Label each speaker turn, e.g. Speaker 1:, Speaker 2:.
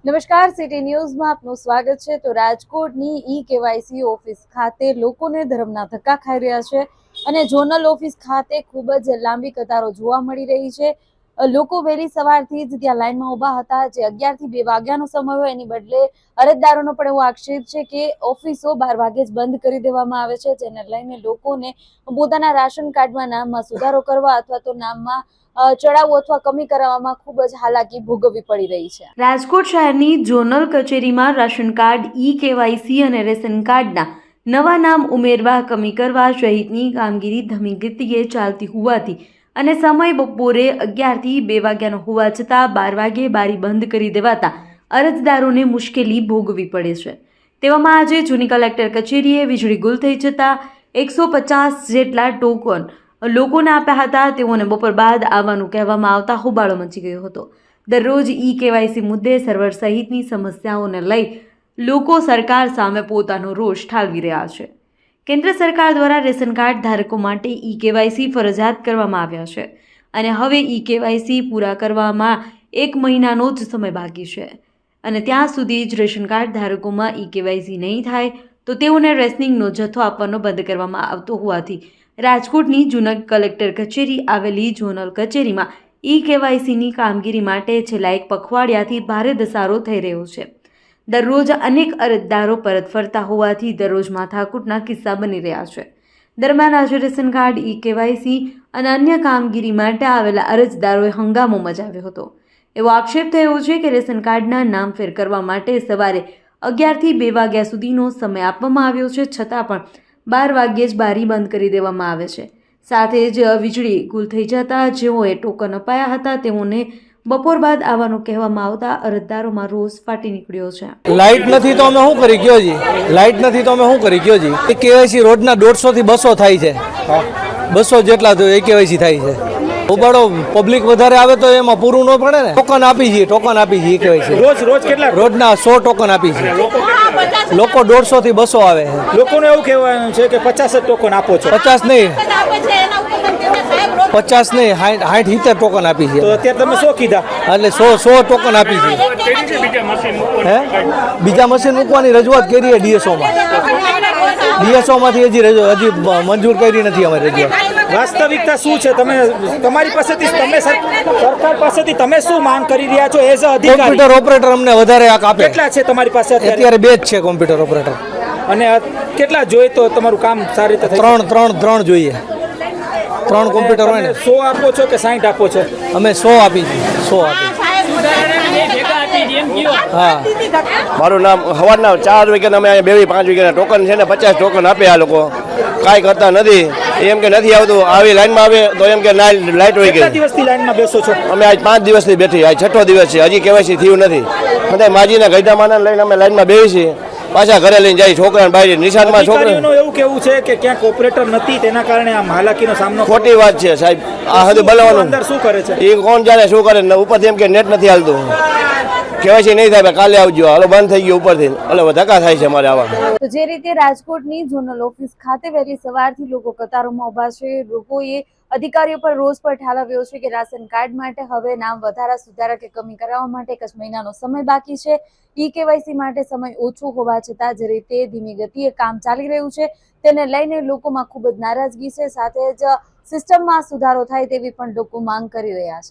Speaker 1: નમસ્કાર, સિટી ન્યૂઝમાં આપનું સ્વાગત છે। તો રાજકોટની કેવાયસી ઓફિસ ખાતે લોકોને ધર્મના ધક્કા ખાઈ રહ્યા છે અને ઝોનલ ઓફિસ ખાતે ખૂબ જ લાંબી કતારો જોવા મળી રહી છે। લોકો વહેલી સવારથી જ ત્યાં લાઈનમાં ઊભા હતા। જે 11 થી 2 વાગ્યાનો સમય હોય એની બદલે અરજદારોનો પણ એવો આક્ષેપ છે કે ઓફિસો 12 વાગે જ બંધ કરી દેવામાં આવે છે, જેને લઈને લોકોને પોતાના રાશન કાર્ડમાં નામમાં સુધારો કરવા અથવા તો નામમાં ચડાવો અથવા કમી કરાવવામાં ખૂબ જ હાલાકી ભોગવવી પડી રહી છે। રાજકોટ શહેરની ઝોનલ કચેરીમાં રાશન કાર્ડ, કેવાયસી અને રેશન કાર્ડના નવા નામ ઉમેરવા, કમી કરવા સહિતની કામગીરી ધીમી ગતિએ ચાલતી હોવાથી અને સમય બપોરે 11 થી 2 વાગ્યાનો હોવા છતાં 12 વાગે બારી બંધ કરી દેવાતા અરજદારોને મુશ્કેલી ભોગવવી પડે છે। તેવામાં આજે જૂની કલેક્ટર કચેરીએ વીજળી ગુલ થઈ જતા 150 જેટલા ટોકન લોકોને આપ્યા હતા। તેઓને બપોર બાદ આવવાનું કહેવામાં આવતા હોબાળો મચી ગયો હતો। દરરોજ કેવાયસી મુદ્દે સર્વર સહિતની સમસ્યાઓને લઈ લોકો સરકાર સામે પોતાનો રોષ ઠાલવી રહ્યા છે। કેન્દ્ર સરકાર દ્વારા રેશન કાર્ડ ધારકો માટે કેવાયસી ફરજિયાત કરવામાં આવ્યા છે અને હવે કેવાયસી પૂરા કરવામાં 1 મહિનાનો જ સમય બાકી છે અને ત્યાં સુધી જ રેશન કાર્ડ ધારકોમાં કેવાયસી નહીં થાય તો તેઓને રેશનિંગનો જથ્થો આપવાનો બંધ કરવામાં આવતો હોવાથી રાજકોટની જૂની કલેક્ટર કચેરી આવેલી ઝોનલ કચેરીમાં કેવાયસીની કામગીરી માટે છેલ્લા 1 પખવાડિયાથી ભારે ધસારો થઈ રહ્યો છે। દરરોજ અનેક અરજદારો પરત ફરતા હોવાથી દરરોજ માથાકૂટના કિસ્સા બની રહ્યા છે। દરમિયાન આજે રેશન કાર્ડ, કેવાયસી અને અન્ય કામગીરી માટે આવેલા અરજદારોએ હંગામો મચાવ્યો હતો। એવો આક્ષેપ થયો છે કે રેશન કાર્ડના નામ ફેર કરવા માટે સવારે 11 થી 2 વાગ્યા સુધીનો સમય આપવામાં આવ્યો છે, છતાં પણ 12 વાગ્યે જ બારી બંધ કરી દેવામાં આવે છે। સાથે જ વીજળી ગુલ થઈ જતા જેઓએ ટોકન અપાયા હતા તેઓને બપોર બાદ આવવાનું કહેવામાં આવતા અરજદારોમાં રોષ ફાટી નીકળ્યો છે।
Speaker 2: લાઇટ નથી તો અમે શું કરી ગયો જી? લાઇટ નથી તો અમે શું કરી ગયો જી? કેવાયસી રોજના 150 થી 200 થાય છે, 200 જેટલા કેવાયસી થાય છે। ઉબાડો પબ્લિક વધારે આવે તો એમાં પૂરું ન પડે ને। ટોકન આપી છીએ, કેવાયસી
Speaker 3: રોજ કેટલા?
Speaker 2: રોજના 100 ટોકન આપી છીએ। લોકો 150 થી 200 આવે છે।
Speaker 3: લોકોને એવું કહેવાનું છે કે 50 જ ટોકન આપો છો।
Speaker 2: 50 નહીં, 60-70 ટોકન આપી છે।
Speaker 3: તો અત્યારે તમે શું કીધા?
Speaker 2: એટલે 100 ટોકન આપી છે। બીજા મશીન મૂકવાની રજૂઆત કરી છે ડીએસઓ માંથી હજી મંજૂર કરી નથી અમારી રજૂઆત।
Speaker 3: વાસ્તવિકતા શું છે? તમારી પાસેથી સરકાર પાસેથી તમે શું માંગ કરી રહ્યા છો એઝ અ અધિકારી?
Speaker 2: કોમ્પ્યુટર ઓપરેટર અમને વધારે આપે।
Speaker 3: કેટલા છે તમારી પાસે
Speaker 2: અત્યારે 2 જ છે કોમ્પ્યુટર ઓપરેટર।
Speaker 3: અને કેટલા જોઈએ તો તમારું કામ સારી રીતે થાય?
Speaker 2: 3 જોઈએ। 3 કોમ્પ્યુટર હોય ને।
Speaker 3: 100 આપો છો કે 60 આપો છો?
Speaker 2: અમે 100 આપી છીએ, 100 આપી।
Speaker 4: હા, મારું નામ સવારના 4 વાગ્યાના અમે 2-5 વાગ્યાના ટોકન છે ને 50 ટોકન આપે આ લોકો, કાંઈ કરતા નથી। એમ કે નથી આવતું, આવી લાઈનમાં આવે તો એમ કે લાઈટ વહી
Speaker 3: કેટલા
Speaker 4: ગઈ।
Speaker 3: દિવસથી લાઈનમાં બેસો છો?
Speaker 4: અમે આજ 5 દિવસથી બેઠી, આજ 6ઠો દિવસ છે, હજી કેવાયસી થયું નથી। બધા માજીના ગઈઢામાના લઈને અમે લાઈનમાં બેસી છીએ, પાછા ઘરે લઈને જાય છોકરાને બહાર નિશાળમાં છોકરા।
Speaker 3: એવું કેવું છે કે ક્યાંક ઓપરેટર નથી તેના કારણે આ હાલાકીનો સામનો?
Speaker 4: ખોટી વાત છે સાહેબ, આ હદ બોલાવવાનું
Speaker 3: અંદર શું કરે છે
Speaker 4: એ કોણ જાણે શું કરે? ઉપરથી એમ કે નેટ નથી હાલતું, કેવાયસી નહીં થાય, કાલે આવજો, હાલો બંધ થઈ ગયું ઉપરથી, એટલે ધક્કા થાય છે અમારે આવા।
Speaker 1: તો જે રીતે રાજકોટની ઝોનલ ઓફિસ ખાતે વહેલી સવારથી લોકો કતારોમાં ઊભા છે। લોકોએ અધિકારીઓ પર રોષ પર ઠાલવ્યો છે કે રાશન કાર્ડ માટે હવે નામ વધારા, સુધારા કે કમી કરાવવા માટે 1 જ મહિનાનો સમય બાકી છે। કેવાયસી માટે સમય ઓછો હોવા છતાં જે રીતે ધીમી ગતિએ કામ ચાલી રહ્યું છે તેને લઈને લોકોમાં ખૂબ જ નારાજગી છે। સાથે જ સિસ્ટમમાં સુધારો થાય તેવી પણ લોકો માંગ કરી રહ્યા છે।